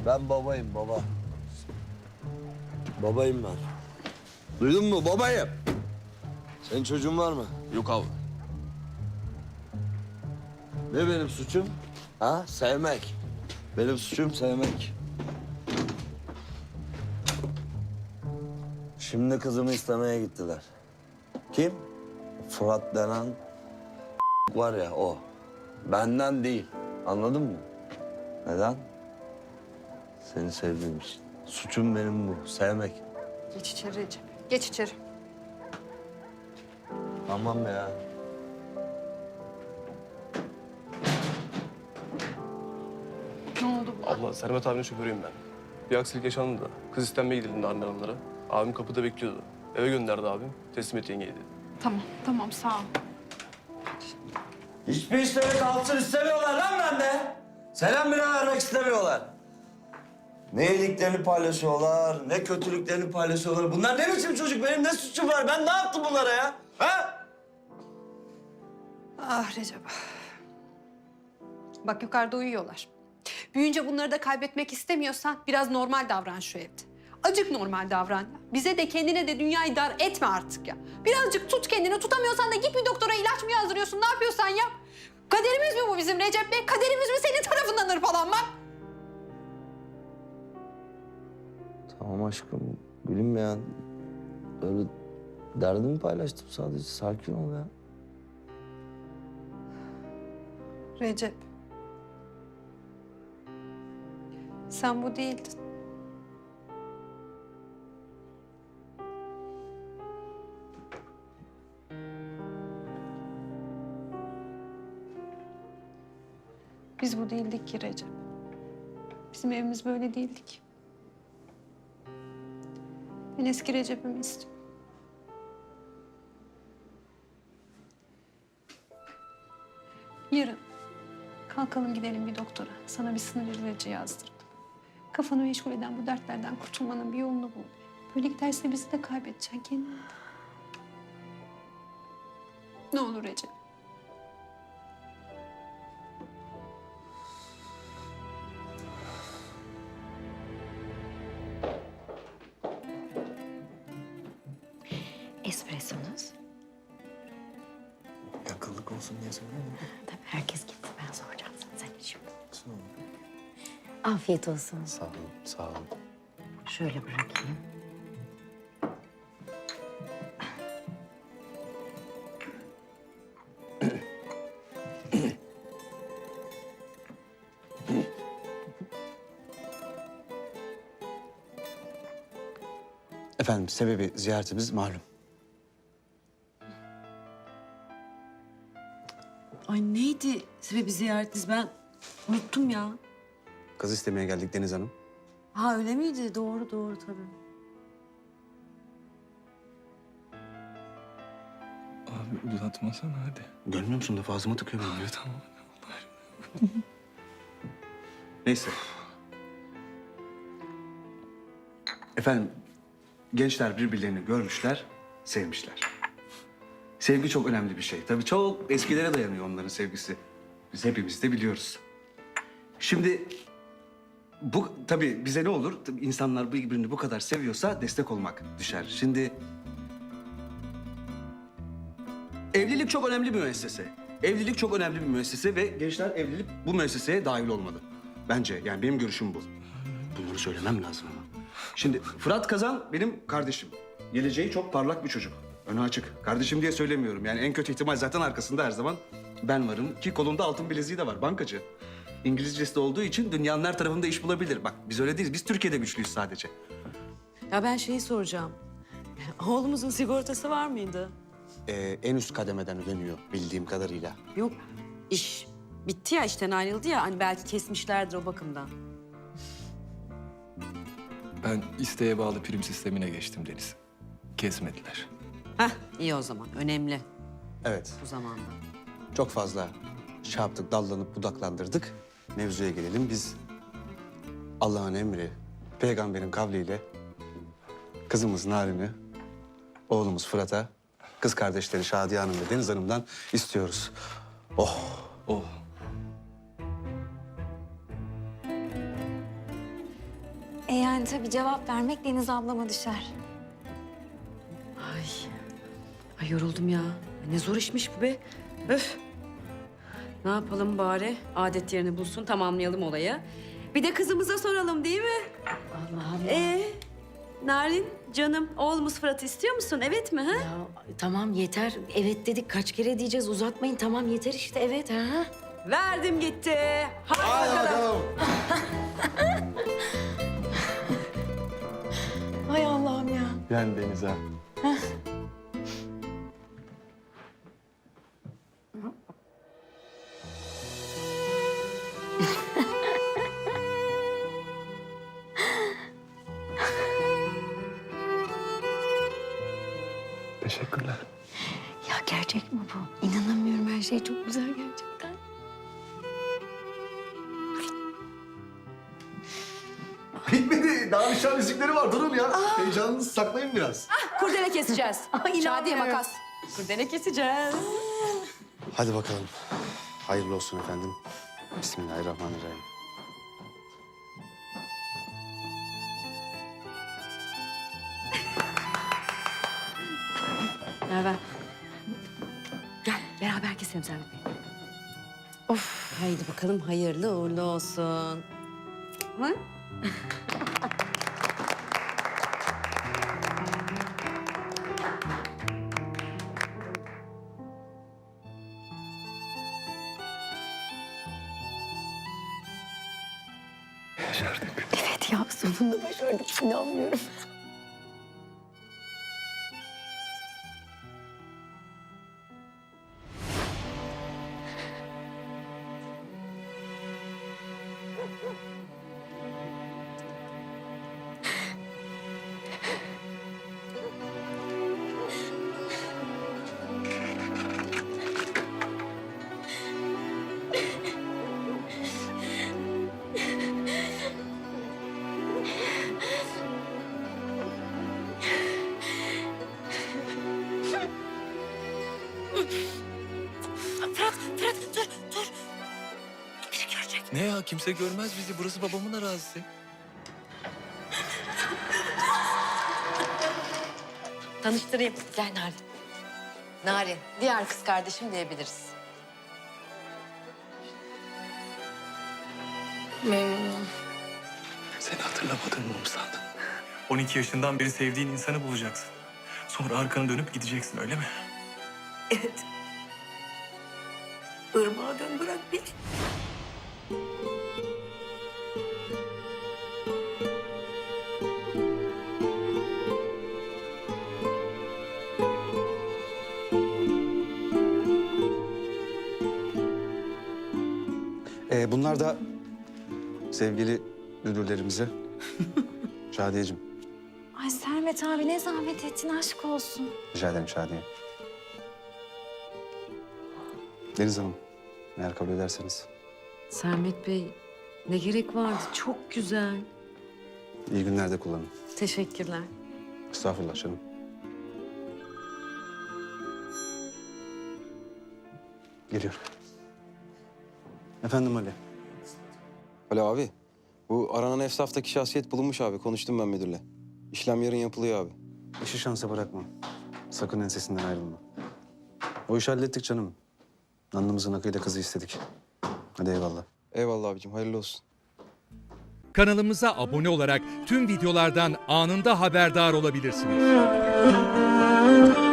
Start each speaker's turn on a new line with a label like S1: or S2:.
S1: Ben babayım baba. Babayım ben. Duydun mu babayım? Senin çocuğun var mı?
S2: Yok abi.
S1: Ne benim suçum? Ha? Sevmek. Benim suçum sevmek. Şimdi kızımı istemeye gittiler. Kim? Fırat denen var ya o. Benden değil. Anladın mı? Neden? Seni sevdiğim için. Suçum benim bu. Sevmek.
S3: Geç içeri Recep. Geç içeri.
S1: Tamam ya.
S3: Ne oldu bu?
S2: Abla Sermet abinin şoförüyüm ben. Bir aksilik yaşandı da. Kız istenmeye gidildi Narmen Hanımlara. Abim kapıda bekliyordu. Eve gönderdi abim. Teslim et yengeyi dedi.
S3: Tamam sağ ol.
S1: Hiçbir işleri kalsın istemiyorlar lan bende. Selam bile vermek istemiyorlar. Ne iyiliklerini paylaşıyorlar, ne kötülüklerini paylaşıyorlar. Bunlar ne biçim çocuk? Benim ne suçum var? Ben ne yaptım bunlara ya? Ha?
S3: Ah Recep. Bak yukarıda uyuyorlar. Büyüyünce bunları da kaybetmek istemiyorsan biraz normal davran şu evde. Acık normal davran ya. Bize de kendine de dünyayı dar etme artık ya. Birazcık tut kendini. Tutamıyorsan da git bir doktora ilaç mı yazdırıyorsun? Ne yapıyorsan yap. Kaderimiz mi bu bizim Recep Bey? Kaderimiz mi senin tarafından hırpalanmak?
S1: Tamam aşkım, gülüm ya. Öyle derdimi paylaştım sadece. Sakin ol ya.
S3: Recep. Sen bu değildin. Biz bu değildik ki Recep. Bizim evimiz böyle değildi ki. Ben eski Recep'imi istiyorum. Yarın kalkalım gidelim bir doktora. Sana bir sinir ilacı yazdıralım. Kafanı meşgul eden bu dertlerden kurtulmanın bir yolunu bul. Böyle giderse bizi de kaybedeceksin kendini de. Ne olur Recep.
S4: Espressonuz.
S5: Yakınlık olsun diye söylüyorum.
S4: Tabii herkes gitti. Ben soracağım sana. Sen iç şimdi. Afiyet olsun.
S5: Sağ olun, sağ olun.
S4: Şöyle bırakayım.
S5: Efendim, sebebi ziyaretimiz malum.
S6: Ay neydi sebebi ziyaretiniz? Ben unuttum ya.
S5: Kız istemeye geldik Deniz Hanım.
S6: Ha öyle miydi? Doğru tabii.
S7: Abi uzatmasana hadi.
S5: Görmüyor musun da ağzıma tıkıyor beni.
S7: Tamam.
S5: Neyse. Efendim, gençler birbirlerini görmüşler, sevmişler. Sevgi çok önemli bir şey. Tabii çok eskilere dayanıyor onların sevgisi. Biz hepimiz de biliyoruz. Şimdi bu tabii bize ne olur? Tabii insanlar birbirini bu kadar seviyorsa destek olmak düşer. Şimdi evlilik çok önemli bir müessese. Evlilik çok önemli bir müessese ve gençler evlilik bu müesseseye dahil olmalı. Bence yani benim görüşüm bu. Bunları söylemem lazım ama. Şimdi Fırat Kazan benim kardeşim. Geleceği çok parlak bir çocuk. Önü açık. Kardeşim diye söylemiyorum. Yani en kötü ihtimal zaten arkasında her zaman ben varım. Ki kolunda altın bileziği de var. Bankacı. İngilizcesi de olduğu için dünyanın her tarafında iş bulabilir. Bak biz öyle değiliz. Biz Türkiye'de güçlüyüz sadece.
S6: Ya ben şeyi soracağım. Oğlumuzun sigortası var mıydı?
S5: En üst kademeden ödeniyor bildiğim kadarıyla.
S6: Yok. İş bitti ya, işten ayrıldı ya. Hani belki kesmişlerdir o bakımdan.
S7: Ben isteğe bağlı prim sistemine geçtim Deniz. Kesmediler.
S6: Heh iyi o zaman. Önemli
S5: Evet.
S6: bu zamanda.
S5: Çok fazla şey yaptık, dallanıp budaklandırdık. Mevzuya gelelim. Biz Allah'ın emri, peygamberin kavliyle kızımız Narin'i, oğlumuz Fırat'a, kız kardeşleri Şadiye Hanım ve Deniz Hanım'dan istiyoruz. Oh!
S7: Oh.
S8: Yani tabii cevap vermek Deniz ablama düşer.
S6: Ay. Ay yoruldum ya. Ne zor işmiş bu be. Öf. Ne yapalım bari? Adet yerini bulsun, tamamlayalım olayı. Bir de kızımıza soralım değil mi?
S4: Allah Allah.
S6: Narin, canım, oğlumuz Fırat'ı istiyor musun? Evet mi? Ha?
S4: Ya tamam yeter. Evet dedik kaç kere diyeceğiz uzatmayın. Tamam yeter işte evet ha.
S6: Verdim gitti. Hadi bakalım.
S4: Hay Allah'ım ya.
S7: Yani Deniz ha. Teşekkürler.
S4: Ya gerçek mi bu? İnanamıyorum her şey çok güzel gerçekten.
S5: Bitmedi. Daha nişan müzikleri var. Durun ya. Heyecanınızı saklayın biraz.
S6: Kurdele keseceğiz. Şadiye makas. Kurdele keseceğiz.
S5: Hadi bakalım. Hayırlı olsun efendim. Bismillahirrahmanirrahim.
S6: Merve. Gel beraber keselim Servet Bey. Of. Haydi bakalım hayırlı uğurlu olsun. Hı?
S4: Evet ya sonunda başardık inanmıyorum.
S7: Ne ya kimse görmez bizi. Burası babamın arazisi.
S4: Tanıştırayım. Gel Narin. Narin, diğer kız kardeşim diyebiliriz.
S7: Seni hatırlamadığımı mı sandın?
S9: 12 yaşından beri sevdiğin insanı bulacaksın. Sonra arkanı dönüp gideceksin öyle mi?
S4: Evet. Irmağa dön bırak beni.
S5: Bunlar da sevgili müdürlerimize. Şadiyeciğim.
S8: Ay Servet abi ne zahmet ettin aşk olsun.
S5: Rica ederim Şadiye. Deniz Hanım, eğer kabul ederseniz.
S6: Sermet Bey ne gerek vardı? Çok güzel.
S5: İyi günlerde kullanın.
S6: Teşekkürler.
S5: Estağfurullah canım. Geliyorum. Efendim Ali.
S10: Alo abi. Bu aranan esnaftaki şahsiyet bulunmuş abi. Konuştum ben müdürle. İşlem yarın yapılıyor abi.
S5: İşi şansa bırakma. Sakın ensesinden ayrılma. O işi hallettik canım. Alnımızın akıyla kızı istedik. Hadi eyvallah.
S10: Eyvallah abicim. Hayırlı olsun.
S11: Kanalımıza abone olarak tüm videolardan anında haberdar olabilirsiniz.